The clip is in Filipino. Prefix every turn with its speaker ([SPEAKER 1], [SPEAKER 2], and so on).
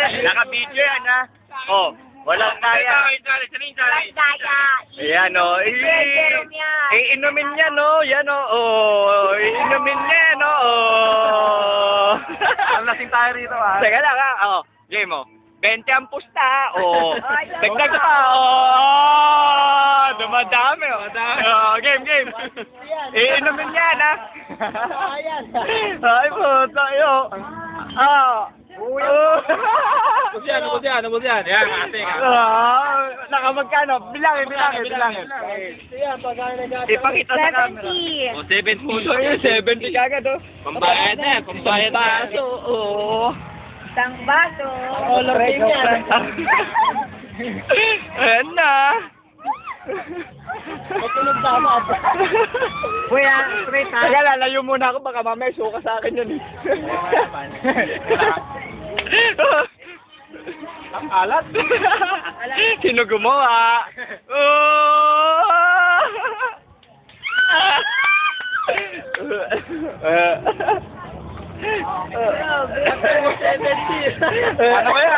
[SPEAKER 1] Naka-video yan, ha? Oh, walang kaya.
[SPEAKER 2] Walang daya.
[SPEAKER 1] Ayan, oh.
[SPEAKER 2] Jerome yan.
[SPEAKER 1] Iinumin niya, no? Yan, oh. Iinumin niya, no? Oh.
[SPEAKER 3] Ang lasing tayo rito, ha?
[SPEAKER 1] Teka lang, ha? Oh, game, oh. 20 ang pusta, oh. Dagdag pa, dumadami, oh. Game. Iinumin niya, ha? Ay, puta, yo.
[SPEAKER 3] Ano po yan? Yan, ate.
[SPEAKER 1] Nakamagkano? Bilangin. Ipakita sa camera.
[SPEAKER 2] 70.
[SPEAKER 3] O, 7 po.
[SPEAKER 1] 70 kagad, oh.
[SPEAKER 3] Pambayad na, pambayad na.
[SPEAKER 1] Baso, oh.
[SPEAKER 2] Isang baso.
[SPEAKER 1] Ayan na.
[SPEAKER 3] Matulog tama.
[SPEAKER 2] Kuya, straight ha?
[SPEAKER 1] Teka, lalayo muna ako. Baka mamaya suka sa akin yun, eh.
[SPEAKER 3] Ang alat.
[SPEAKER 1] Sino gumawa?
[SPEAKER 3] Ano kaya?